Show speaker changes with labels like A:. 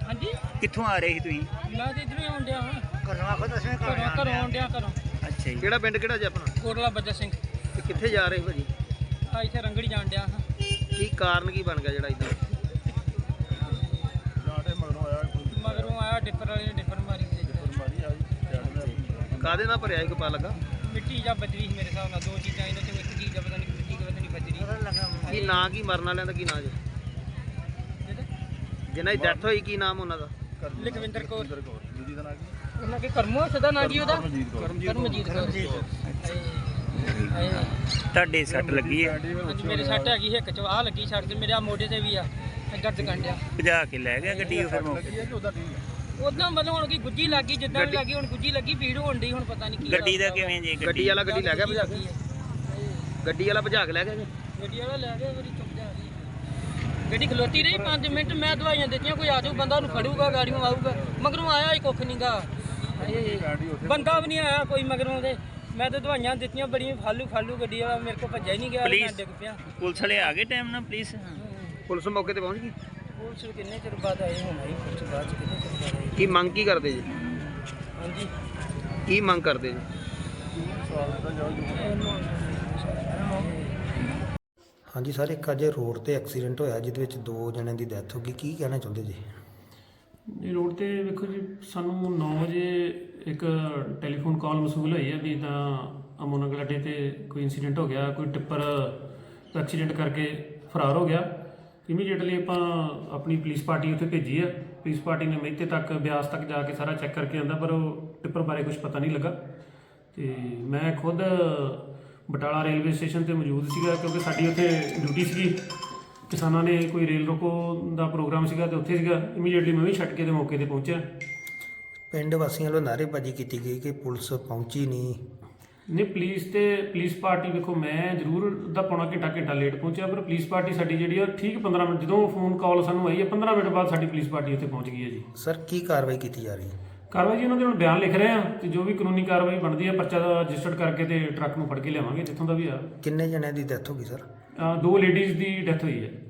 A: हाँ जी
B: कित्थों आ रहे थे तुसीं?
A: मैं तो इधरों ही आउण डया हाँ
B: घरों आखो दसवें
A: घरों आउण डया घरों
B: अच्छा जी।
C: ਕਿਹੜਾ ਪਿੰਡ ਕਿਹੜਾ ਜੀ ਆਪਣਾ
A: कोटला बज्जा सिंह
C: ਤੇ ਕਿੱਥੇ ਜਾ ਰਹੇ ਭਾਜੀ
A: आ इत्थे रंगड़ी जाण डया हाँ
C: ਕੀ ਕਾਰਨ ਕੀ ਬਣ ਗਿਆ ਜਿਹੜਾ ਇਦਾਂ
A: मगरों आया डिफर वाले ने डिफर मारी
C: ਕਾਦੇ ਨਾਲ ਭਰਿਆ ਇੱਕ ਪਾ ਲੱਗਾ
A: मिट्टी या बजरी ਸੀ ਮੇਰੇ ਹਿਸਾਬ ਨਾਲ ਦੋ ਚੀਜ਼ਾਂ ਇਹਨਾਂ ਚੋਂ ਇੱਕ ਚੀਜ਼ ਆ ਪਤਾ ਨਹੀਂ ਮਿੱਟੀ ਪਤਾ ਨਹੀਂ ਬਜਰੀ
C: ਕੀ ਨਾਂ ਕੀ ਮਰਨ ਵਾਲਿਆਂ ਦਾ ਕੀ ਨਾਂ ਜੀ ਜਿਨ੍ਹਾਂ ਦੀ ਡੈਥ ਹੋਈ ਕੀ ਨਾਮ ਉਹਨਾਂ ਦਾ
A: ਲਖਵਿੰਦਰ ਕੌਰ ਉਹਨਾਂ ਕੇ ਕਰਮੋ ਸਦਾ ਨਾਂ ਜੀ ਉਹਦਾ ਕਰਮਜੀਤ ਕੌਰ
B: ਤੁਹਾਡੇ ਸੱਟ ਲੱਗੀ ਹੈ?
A: ਅੱਜ ਮੇਰੇ ਸੱਟ ਹੈਗੀ ਹਿੱਕ ਚ ਆਹ ਲੱਗੀ ਸੱਟ ਤੇ ਮੇਰੇ ਆ ਮੋਢੇ ਤੇ ਵੀ ਆ ਦਰਦ ਕੰਡਿਆ
B: ਭਜਾ ਕੇ ਲੈ ਗਿਆ ਗੱਡੀ ਉਹ ਫਿਰ ਮੌਕੇ ਤੇ?
A: ਉਦਾਂ ਮਤਲਬ ਹੁਣ ਕੀ ਗੁੱਜੀ ਲੱਗੀ ਜਿੱਦਾਂ ਵੀ ਲੱਗੀ ਹੁਣ ਗੁੱਜੀ ਲੱਗੀ ਭੀੜ ਹੋਣ ਡਈ ਹੁਣ ਪਤਾ ਨਹੀਂ ਕੀ
B: ਗੱਡੀ ਦਾ ਕਿਵੇਂ ਜੀ?
C: ਗੱਡੀ ਵਾਲਾ ਗੱਡੀ ਲੈ ਗਿਆ ਭਜਾ ਕੇ ਗੱਡੀ ਵਾਲਾ ਭਜਾ ਕੇ ਲੈ ਗਿਆ ਜੀ
A: ਗੱਡੀ ਵਾਲਾ ਲੈ ਗਿਆ ਮੇਰੀ ਚੁੱਪ ਜਾ ਰਹੀ ਗੱਡੀ ਖਲੋਤੀ ਰਹੀ 5 ਮਿੰਟ ਮੈਂ ਦਵਾਈਆਂ ਦਿੱਤੀਆਂ ਕੋਈ ਆ ਜਾਊ ਬੰਦਾ ਉਹਨੂੰ ਫੜੂਗਾ ਗਾੜੀਆਂ ਆਊਗਾ ਮਗਰੋਂ ਆਇਆ ਹੀ ਕੁੱਖ ਨਹੀਂਗਾ ਬੰਦਾ ਵੀ ਨਹੀਂ ਆਇਆ ਕੋਈ ਮਗਰੋਂ ਦੇ ਮੈਂ ਤਾਂ ਦਵਾਈਆਂ ਦਿੱਤੀਆਂ ਬੜੀਆਂ ਫਾਲੂ ਗੱਡੀ ਵਾਲਾ ਮੇਰੇ ਕੋਲ ਭੱਜਿਆ ਹੀ ਨਹੀਂ ਗਿਆ ਮੈਂ ਡਿੱਗ ਪਿਆ
B: ਪੁਲਿਸ ਵਾਲੇ ਆ ਗਏ ਟਾਈਮ ਨਾਲ ਪੁਲਿਸ?
C: ਪੁਲਿਸ ਮੌਕੇ ਤੇ ਪਹੁੰਚ ਗਈ
A: ਪੁਲਿਸ ਕਿੰਨੇ ਚਿਰ ਬਾਅਦ ਆਏ ਹੁਣ ਆਈ ਪੁਲਿਸ ਬਾਅਦ ਚ ਕਿੰਨੇ ਚਿਰ ਬਾਅਦ ਆਈ
C: ਕੀ ਮੰਗ ਕੀ ਕਰਦੇ ਜੀ
A: ਹਾਂਜੀ
C: ਕੀ ਮੰਗ ਕਰਦੇ ਜੀ
D: ਹਾਂਜੀ ਸਰ, ਇੱਕ ਅੱਜ ਰੋਡ ਤੇ ਐਕਸੀਡੈਂਟ ਹੋਇਆ ਜਿਹਦੇ ਵਿੱਚ 2 ਜਣਿਆਂ ਦੀ ਡੈਥ ਹੋ ਗਈ। ਕੀ ਕਹਿਣਾ ਚਾਹੁੰਦੇ ਜੀ?
E: ਜੀ ਰੋਡ ਤੇ ਵੇਖੋ ਜੀ, ਸਾਨੂੰ 9 ਵਜੇ ਇੱਕ ਟੈਲੀਫੋਨ ਕਾਲ ਮਸੂਲ ਹੋਈ ਹੈ ਵੀ ਤਾਂ ਅਮੋਨਗਲ ਅੱਡੇ ਤੇ ਕੋਈ ਇਨਸੀਡੈਂਟ ਹੋ ਗਿਆ, ਕੋਈ ਟਿੱਪਰ ਐਕਸੀਡੈਂਟ ਕਰਕੇ ਫਰਾਰ ਹੋ ਗਿਆ। ਇਮੀਡੀਏਟਲੀ ਆਪਾਂ ਆਪਣੀ ਪੁਲਿਸ ਪਾਰਟੀ ਉੱਥੇ ਭੇਜੀ ਆ। ਪੁਲਿਸ ਪਾਰਟੀ ਨੇ ਮਹਿਤੇ ਤੱਕ ਬਿਆਸ ਤੱਕ ਜਾ ਕੇ ਸਾਰਾ ਚੈੱਕ ਕਰਕੇ ਆਂਦਾ, ਪਰ ਉਹ ਟਿੱਪਰ ਬਾਰੇ ਕੁਝ ਪਤਾ ਨਹੀਂ ਲੱਗਾ। ਤੇ ਮੈਂ ਖੁਦ ਬਟਾਲਾ ਰੇਲਵੇ ਸਟੇਸ਼ਨ ਤੇ ਮੌਜੂਦ ਸੀਗਾ ਕਿਉਂਕਿ ਸਾਡੀ ਉੱਥੇ ਡਿਊਟੀ ਸੀਗੀ। ਕਿਸਾਨਾਂ ਨੇ ਕੋਈ ਰੇਲ ਰੋਕੋ ਦਾ ਪ੍ਰੋਗਰਾਮ ਸੀਗਾ ਤੇ ਉੱਥੇ ਸੀਗਾ। ਇਮੀਡੀਏਟਲੀ ਮੈਂ ਵੀ ਛੱਡ ਕੇ ਤੇ ਮੌਕੇ ਤੇ ਪਹੁੰਚਿਆ।
D: ਪਿੰਡ ਵਾਸੀਆਂ ਵੱਲੋਂ ਨਾਅਰੇਬਾਜ਼ੀ ਕੀਤੀ ਗਈ ਕਿ ਪੁਲਿਸ ਪਹੁੰਚੀ ਨਹੀਂ।
E: ਪੁਲਿਸ ਪਾਰਟੀ ਵੇਖੋ, ਮੈਂ ਜ਼ਰੂਰ ਅੱਧਾ ਪੌਣਾ ਘੰਟਾ ਲੇਟ ਪਹੁੰਚਿਆ, ਪਰ ਪੁਲਿਸ ਪਾਰਟੀ ਸਾਡੀ ਜਿਹੜੀ ਆ ਠੀਕ 15 ਮਿੰਟ, ਜਦੋਂ ਫੋਨ ਕਾਲ ਸਾਨੂੰ ਆਈ ਹੈ 15 ਮਿੰਟ ਬਾਅਦ ਸਾਡੀ ਪੁਲਿਸ ਪਾਰਟੀ ਉੱਥੇ ਪਹੁੰਚ ਗਈ ਹੈ ਜੀ।
D: ਸਰ, ਕੀ ਕਾਰਵਾਈ ਕੀਤੀ ਜਾ ਰਹੀ ਹੈ?
E: ਕਾਰਵਾਈ ਜੀ ਉਹਨਾਂ ਦੇ ਹੁਣ ਬਿਆਨ ਲਿਖ ਰਹੇ ਆ ਤੇ ਜੋ ਵੀ ਕਾਨੂੰਨੀ ਕਾਰਵਾਈ ਬਣਦੀ ਹੈ ਪਰਚਾ ਰਜਿਸਟਰਡ ਕਰਕੇ ਤੇ ਟਰੱਕ ਨੂੰ ਫੜ ਕੇ ਲਿਆਵਾਂਗੇ ਜਿੱਥੋਂ ਦਾ ਵੀ ਆ।
D: ਕਿੰਨੇ ਜਣਿਆਂ ਦੀ ਡੈਥ ਹੋ ਗਈ ਸਰ?
E: 2 ਲੇਡੀਜ਼ ਦੀ ਡੈਥ ਹੋਈ ਹੈ।